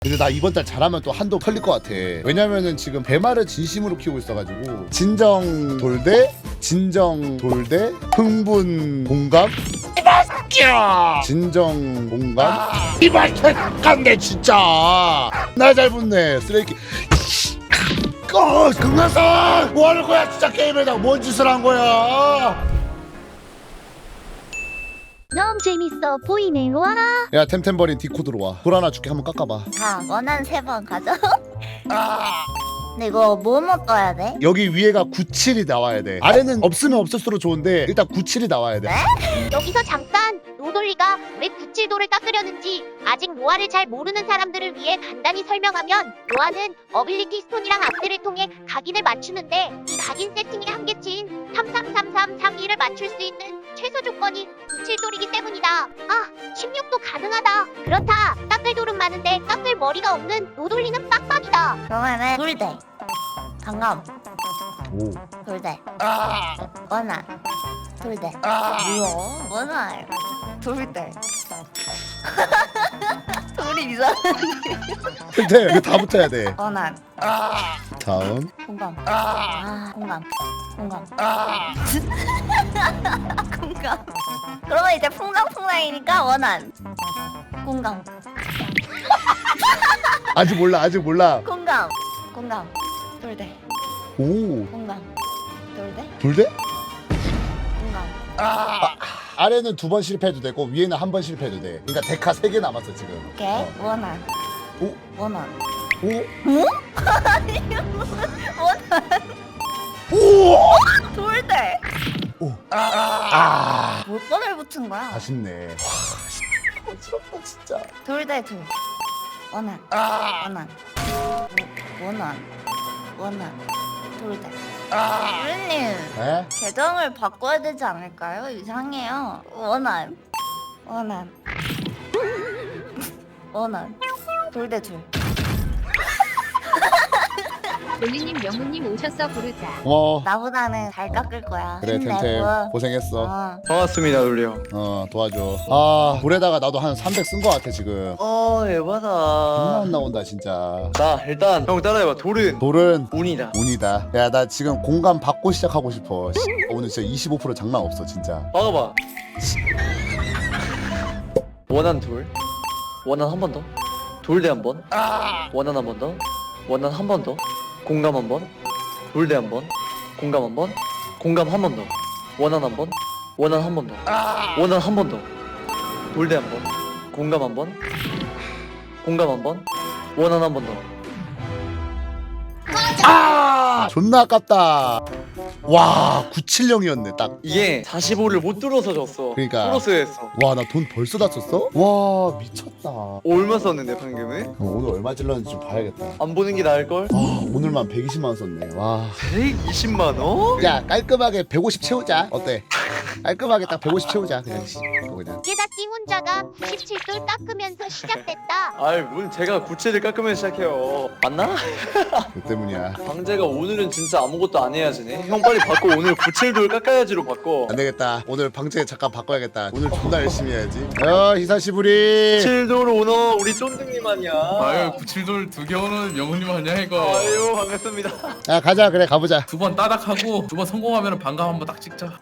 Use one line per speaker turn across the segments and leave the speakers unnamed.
근데 나 이번 달 잘하면 또 한도 털릴 것 같아. 왜냐면은 지금 배마를 진심으로 키우고 있어가지고 진정 돌대, 진정 돌대, 흥분 공감. 이발새끼야! 진정 공감. 이발새끼인데 진짜. 나 잘 붙네 쓰레기. 금강산 뭐 하는 거야 진짜 게임에다가 뭔 짓을 한 거야?
너무 재밌어 보이네. 와.
야 템템버린 디코 들어와. 돌 하나 줄게. 한번 깎아봐.
자, 원한 3번 가져. 근데 이거 뭐뭐 떠야 돼?
여기 위에가 97이 나와야 돼. 아래는 없으면 없을수록 좋은데 일단 97이 나와야 돼.
여기서 잠깐 노돌리가 왜 97도를 깎으려는지 아직 노아를 잘 모르는 사람들을 위해 간단히 설명하면 노아는 어빌리티 스톤이랑 악셀을 통해 각인을 맞추는데 이 각인 세팅의 한계치인 333332를 맞출 수 있는 최소 조건이 97돌이기 때문이다. 아, 16도 가능하다. 그렇다. 깎을 돌은 많은데 깎을 머리가 없는 노돌리는 빡빡이다.
그러면은 돌대, 강감,
오.
돌대, 원한, 돌대. 뭐야? 원한, 돌대. 돌이 이상.
템템 이거 다 붙어야 돼.
원한,
다음.
공감. 공감. 공감. 공감. 그러면 이제 풍랑풍랑이니까 원한. 공감.
아직 몰라 아직 몰라.
공감. 공감. 돌대.
오.
공감. 돌대.
돌대?
공감.
아래는 2번 실패해도 되고 위에는 1번 실패해도 돼. 그러니까 데카 3개 남았어 지금.
오케이. 원한.
오.
원한.
오.
원한.
오.
돌대.
오. 아.
몇 번을 붙은 거야?
아쉽네. 와, 어지럽다 진짜.
돌대 둘. 원한. 원한. 원한. 원한. 돌대. 유리님
에?
계정을 바꿔야 되지 않을까요? 이상해요. 원한. 원한. 원한. 돌대 둘.
돌리님 명우님 오셔서 부르자.
나보다는 잘 깎을 거야.
그래 템템
힘내고.
고생했어.
반갑습니다, 돌려.
도와줘. 아 돌에다가 나도 한 300 쓴 거 같아 지금. 존나
에바다.
안 나온다 진짜.
자, 일단 형 따라해봐. 돌은
돌은
운이다.
운이다. 야 나 지금 공감 받고 시작하고 싶어. 오늘 진짜 25% 장난 없어 진짜.
막아봐. 원한 돌. 원한 한 번 더. 돌대 한 번. 원한 한 번 더. 원한 한 번 더. 공감 한 번. 돌대 한 번. 공감 한 번. 공감 한 번 더. 원한 한 번. 원한 한 번 더. 원한 한 번 더. 돌대 한 번. 공감 한 번. 공감 한 번. 원한 한 번 더.
존나 아깝다. 와 970이었네 딱.
이게 45를 못 뚫어서 졌어.
그러니까.
뚫었어야 했어.
와 나 돈 벌써 다 썼어? 와 미쳤다.
얼마 썼는데 방금은?
오늘 얼마 질렀는지 좀 봐야겠다.
안 보는 게 나을 걸?
오늘만 120만 원 썼네. 와.
120만 원?
야 깔끔하게 150 채우자. 어때? 깔끔하게 딱 150 채우자. 그냥 그거 그냥.
게다띵 혼자가 97돌 깎으면서 시작됐다.
아이 문 제가 구체를 깎으면 시작해요. 맞나?
그 때문이야.
방제가 오늘은 진짜 아무것도 안 해야지네. 형 빨리 바꿔. 오늘 97돌 깎아야지로 바꿔.
안 되겠다. 오늘 방제 잠깐 바꿔야겠다. 오늘 존나 열심히 해야지. 히사시부리.
7돌 오너 우리 쫀득님 아니야.
아유 97돌 2개 오는 명훈님 아니야 이거.
아유 반갑습니다.
야 가자 그래 가보자.
2번 따닥하고 2번 성공하면 반감 한번 딱 찍자.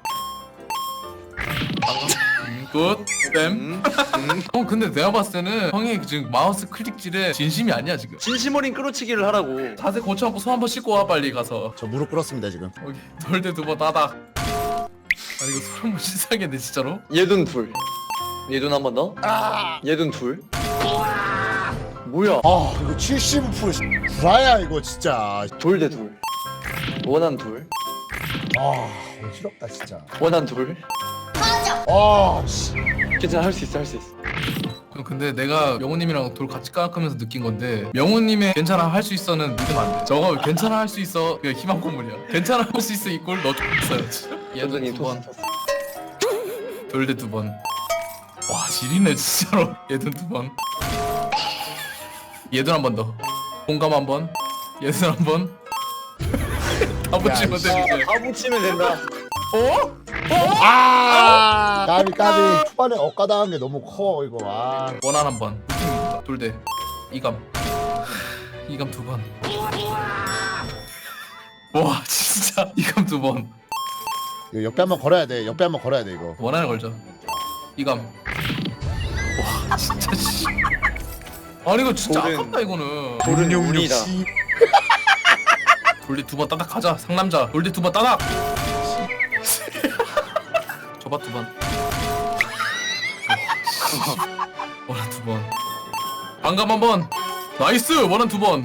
굿. 뱀. 형 근데 내가 봤을 때는 형이 지금 마우스 클릭질에 진심이 아니야 지금.
진심 어린 끌어치기를 하라고.
자세 고쳐갖고 손 한번 씻고 와 빨리 가서.
저 무릎 꿇었습니다 지금.
여기 돌대 2번 따닥. 아니 이거 손 한번 씻어야겠네 진짜로.
얘돈 둘. 얘돈 한 번 더. 얘돈 둘. 뭐야?
아 이거 75% 구라야 이거 진짜.
돌 대 둘. 원한 둘.
아 어지럽다 진짜.
원한 둘.
아 씨.
괜찮아 할 수 있어 할 수 있어.
형, 근데 내가 명훈님이랑 돌 같이 깎으면서 느낀 건데 명훈님의 괜찮아 할 수 있어는 믿으면 안 돼. 저거 괜찮아 할 수 있어 그냥 희망 고문이야. 괜찮아 할 수 있어 이꼴 너 X어야지. 얘도
여전히
2번
토스.
돌대 2번. 와 지리네 진짜로. 얘도 2번. 얘도 한 번 더. 공감 한 번. 얘도 한 번. 다 붙이면 돼 이제.
다 붙이면 된다.
까비 초반에 엇가당한 게 너무 커 이거. 아.
원한 한 번. 돌대. 이감 2번. 와 진짜 이감 2번.
이거 옆에 한번 걸어야 돼. 옆에 한번 걸어야 돼 이거.
원하는 걸죠. 이감. 와 진짜 씨. 아니 이거 진짜
돌은-
아깝다 이거는.
돌은 운이다.
돌리 2번 따닥 가자. 상남자. 돌리 2번 따닥. 저봐 2번. 원한 2번. 반감 1번. 나이스. 원한 2번.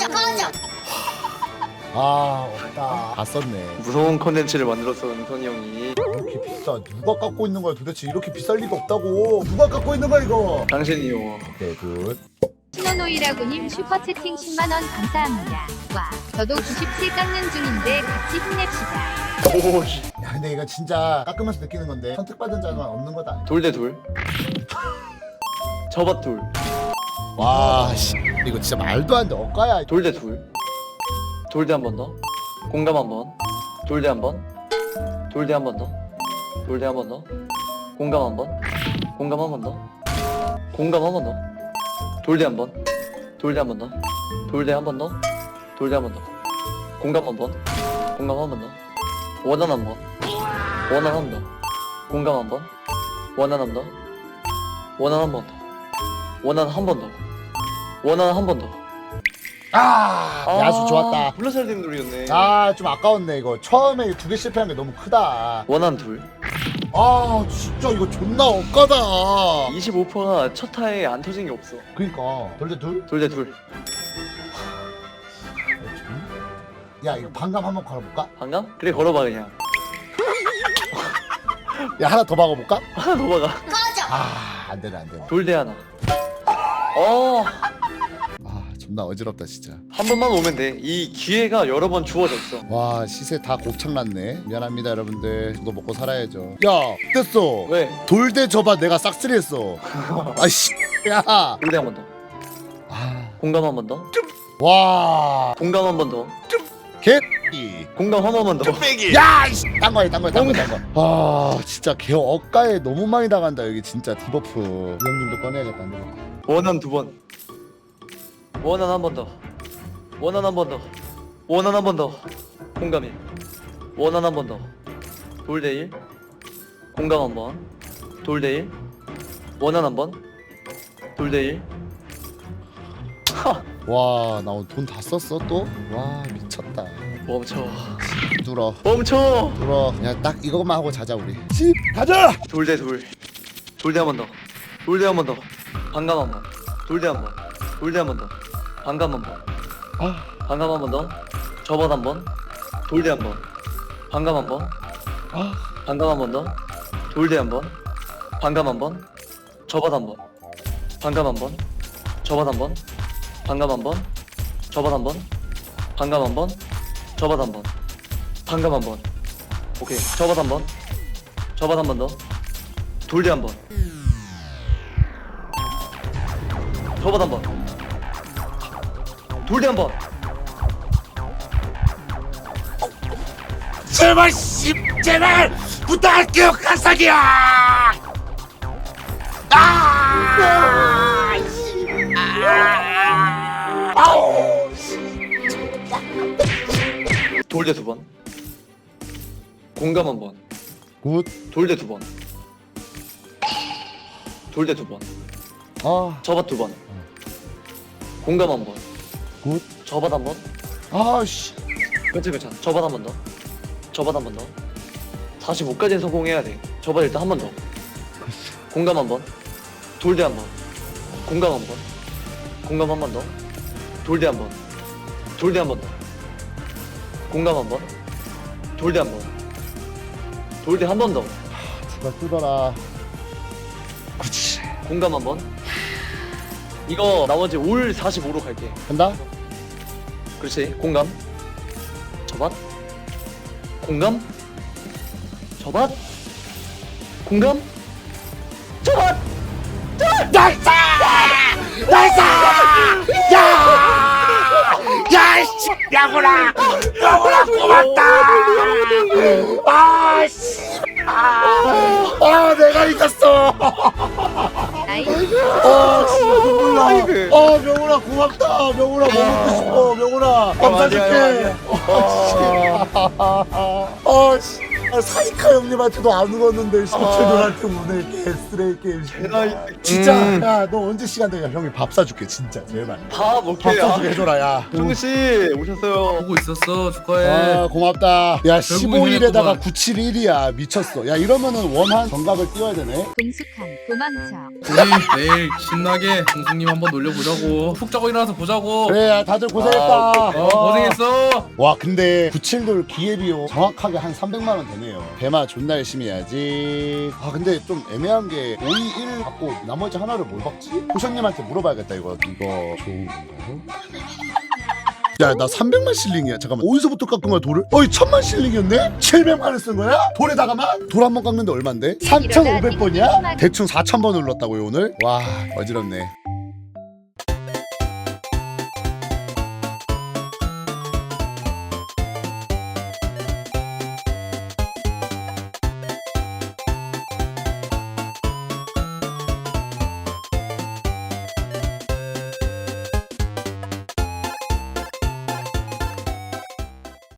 아 없다. 다 썼네.
무서운 컨텐츠를 만들었어 은선이 형이.
이렇게 비싸. 누가 갖고 있는 거야 도대체? 이렇게 비쌀 리가 없다고. 누가 갖고 있는 거야 이거?
당신이요.
오케이 굿.
신호노이라고님 슈퍼채팅 10만원 감사합니다. 와, 저도 97 깎는 중인데 같이 힘냅시다.
오 씨.
야 근데 이거 진짜 깎으면서 느끼는 건데 선택받은 자만 없는 거다.
돌 대 돌. 저밭 돌.
와 씨. 이거 진짜 말도 안 돼. 억가야.
돌 대 돌. 돌 대 한 번 더. 공감 한 번. 돌 대 한 번. 돌 대 한 번 더. 돌 대 한 번 더. 공감 한 번. 공감 한 번 더. 공감 한 번 더. 돌 대 한 번. 돌 대 한 번 더. 돌 대 한 번 더. 돌 대 한 번 더. 공감 한 번. 공감 한 번 더. 원한 한 번. 원한 한 번 더. 공감 한 번. 원한 한 번 더. 원한 한 번 더. 원한 한 번 더. 원한 한 번 더.
야수 좋았다.
불러서야 되는 돌이었네.
아 좀 아까웠네 이거. 처음에 2개 실패한 게 너무 크다.
원한 둘.
아 진짜 이거 존나 억까다.
25%가 첫 타에 안 터진 게 없어.
그니까 돌대 둘?
돌 대 둘.
야 이거 반감 한번 걸어볼까?
반감? 그래 걸어봐 그냥.
야 하나 더 박아볼까?
하나 더 박아.
아 안되네 안되네.
돌 대 하나.
아 존나 어지럽다 진짜.
한 번만 오면 돼. 이 기회가 여러 번 주어졌어.
와 시세 다 곱창났네. 미안합니다 여러분들. 저도 먹고 살아야죠. 야 됐어.
왜?
돌대 저봐 내가 싹쓸이했어. 아씨 야.
돌 대 한 번 더.
아,
공감 한 번 더.
와
공감 한 번 더.
개.
공감 한 번만 더.
야 이씨 딴거야 아 진짜 개 억가에 너무 많이 당한다 여기 진짜 디버프. 이 형님도 꺼내야겠다 안 되겠다.
원한 두 번. 원한 한 번 더. 원한 한 번 더. 원한 한 번 더. 공감이. 원한 한 번 더. 돌 대 1. 공감 한 번. 돌 대 1. 원한 한 번. 돌 대 1.
와 나 오늘 돈 다 썼어 또? 와 미쳤다.
멈춰.
눌어
멈춰.
눌어. 그냥 딱 이것만 하고 자자 우리. 집 가자.
돌 대 돌. 돌 대 한 번 더. 돌 대 한 번 더. 반감 한 번. 돌 대 한 번. 돌 대 한 번 더. 반감 한 번.
아
반감 한 번 더. 저번 한 번. 돌 대 한 번. 반감 한 번.
아.
반감 한 번 더. 돌 대 한 번. 반감 한 번. 저번 한 번. 반감 한 번. 저번 한 번. 반감 한 번. 저번 한 번. 반감 한 번. 저번 한 번. 반감 한 번. 오케이. 저번 한 번. 저번 한 번 더. 돌 대 한 번. 저번 한 번. 돌 대 한 번.
제발 씨 제발 부탁할게요 가사기야.
돌 대 두 번. 공감 한 번.
굿.
돌 대 두 번. 돌 대 두 번.
아
저밭 두 번. 공감 한 번.
굿.
저밭 한 번.
아씨.
괜찮아. 저밭 한 번 더. 저밭 한 번 더. 45까지는 성공해야 돼. 저밭 일단 한 번 더. 공감 한 번. 돌 대 한 번. 공감 한 번. 공감 한 번 더. 돌 대 한 번. 돌 대 한 번 더. 공감 한 번. 돌 대 한 번. 돌 대 한 번 더.
제발 뜯어라. 그치.
공감 한 번. 이거 나머지 올 45로 갈게.
간다.
그렇지. 공감. 저밭. 공감. 저밭. 공감. 저밭.
나이스! 나이스! 야이씨 야구라 고맙다. 아씨. 아 내가 이겼어.
아이
진짜 눈물 나. 명훈아 고맙다. 명훈아 먹고 싶어. 명훈아 밥 사줄게. 사이카 형님한테도 안 울었는데 셔틀들한테 오늘 개쓰레기 게임. 진짜 야 너 언제 시간 되냐 형이 밥 사줄게 진짜 제발.
밥
밥
오케이.
사주게 해줘라 야.
종씨 오셨어요.
보고 있었어. 축하해.
고맙다. 야
결국은
15일에다가
해냈구만.
971이야 미쳤어. 야 이러면은 원한 정각을 띄워야 되네.
동숙한 도망쳐.
우리 내일 신나게 동숙님 한번 놀려보자고. 푹 자고 일어나서 보자고.
그래 야 다들 고생했다.
고생했어.
와 근데 97돌 기회비용 정확하게 한 300만 원 되네요. 배마 존나 열심히 해야지. 근데 좀 애매한 게 5, 2, 1 갖고 나머지 하나를 뭘 박지? 호션님한테 물어봐야겠다 이거 좋은 건가요? 야 나 300만 실링이야. 잠깐만 어디서부터 깎은 거야 돌을? 어이 1000만 실링이었네? 700만을 쓴 거야? 돌에다가만? 돌 한 번 깎는데 얼만데? 3,500번이야? 대충 4,000번 눌렀다고요 오늘? 와 어지럽네.